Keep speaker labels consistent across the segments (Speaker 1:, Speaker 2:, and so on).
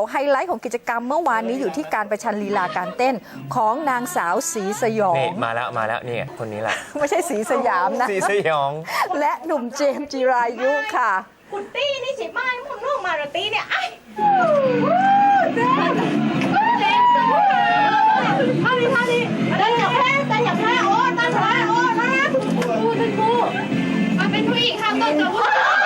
Speaker 1: บอกไฮไลท์ของกิจกรรมเมื่อวานนี้อยู่ที่การประชันลีลาการเต้นของนางสาวศรีสยอง
Speaker 2: มาแล้วนี่คนนี้แหละ
Speaker 1: ไม่ใช่ศรีสยามนะ
Speaker 2: ศรีสยอง
Speaker 1: และหนุ่มเจมส์จิรายุค่ะ
Speaker 3: คุณตี้นี่สิไม่มุนลูกมาราตี้เนี่ยไอ้ท่านี้ตันอย่าแพ้โอ้ตันแพ้โอ้นะเป็นครูมาเป็นผู้หญิงค่ะต้นกับผู้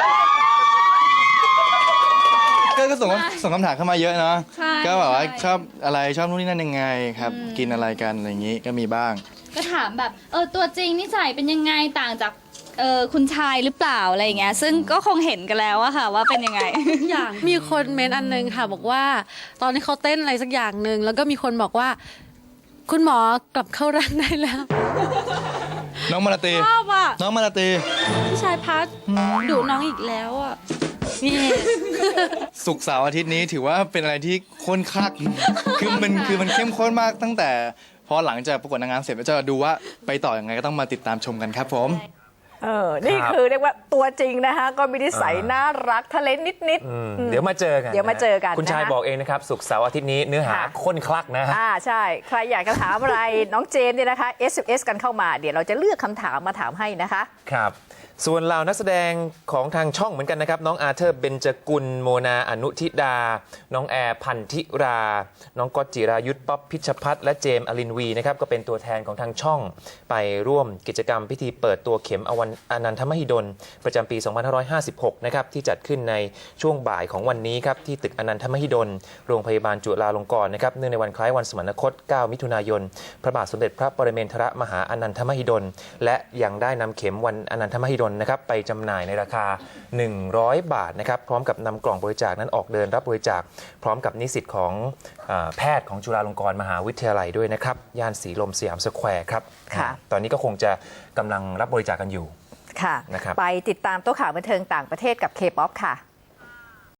Speaker 4: ก็ส่งคำถามเข้ามาเยอะเนาะก็แบบว่าชอบอะไรชอบนู่นนี่นั่นยังไงครับกินอะไรกันอะไรอย่างนี้ก็มีบ้าง
Speaker 5: ก็ถามแบบตัวจริงนิสัยเป็นยังไงต่างจากคุณชายหรือเปล่าอะไรอย่างเงี้ยซึ่งก็คงเห็นกันแล้วอะค่ะว่าเป็นยังไง
Speaker 6: อย่างมีคนเมนต์อันนึงค่ะบอกว่าตอนที่เขาเต้นอะไรสักอย่างหนึ่งแล้วก็มีคนบอกว่าคุณหมอกลับเข้าร่างได้แล้ว
Speaker 4: น้องมาลาตี
Speaker 6: ชอบอ่ะ
Speaker 4: น้องมาลาตี
Speaker 6: พี่ชายพัดดุน้องอีกแล้วอ่ะนี่
Speaker 4: ศุกร์เสาร์อาทิตย์นี้ถือว่าเป็นอะไรที่ข้นคัก คือมันเข้มข้นมากตั้งแต่พอหลังจากประกวดนางงามเสร็จแล้วจะดูว่าไปต่อยังไงก็ต้องมาติดตามชมกันครับผม
Speaker 1: นี่คือเรียกว่าตัวจริงนะคะก็มีนิสัยน่ารักทะเลนนิด
Speaker 2: เดี๋ยวมาเจอกัน
Speaker 1: เดี๋ยวมาเจอกัน
Speaker 2: คุณชาย
Speaker 1: นะคะ
Speaker 2: บอกเองนะครับศุกร์เสาร์อาทิตย์นี้เนื้อหา
Speaker 1: ค่ะ
Speaker 2: ข้นคลักนะฮะ
Speaker 1: ใช่ ใครอยากจะถามอะไร น้องเจมส์เนี่ยนะคะ SMS กันเข้ามาเดี๋ยวเราจะเลือกคำถามมาถามให้นะคะ
Speaker 2: ครับส่วนเหล่านักแสดงของทางช่องเหมือนกันนะครับน้องอาเธอร์เบญจกุลโมนาอนุทิดา น้องแอร์พันธิรา น้องก๊อตจิรายุทธป๊อปพิชพัฒน์และเจมส์อลินวีนะครับก็เป็นตัวแทนของทางช่องไปร่วมกิจกรรมพิธีเปิดตัวเข็มอนันทมหิดลประจำปี 2556 นะครับที่จัดขึ้นในช่วงบ่ายของวันนี้ครับที่ตึกอนันทมหิดลโรงพยาบาลจุฬาลงกรณ์นะครับเนื่องในวันคล้ายวันสมรรคต 9 มิถุนายนพระบาทสมเด็จพระปรเมนทรมหาอนันทมหิดลและยังได้นำเข็มวันอนันทมหิดลนะครับไปจำหน่ายในราคา 100 บาทนะครับพร้อมกับนำกล่องบริจาคนั้นออกเดินรับบริจาคพร้อมกับนิสิตของแพทย์ของจุฬาลงกรณ์มหาวิทยาลัยด้วยนะครับย่านสีลมสยามสแควร์ครับ
Speaker 1: ค่ะ
Speaker 2: ตอนนี้ก็คงจะกำลังรับบริจาคกันอยู่
Speaker 1: ค่ะ
Speaker 2: นะครับ
Speaker 1: ไปติดตามโต๊ะข่าวบันเทิงต่างประเทศกับ K-POP ค่ะ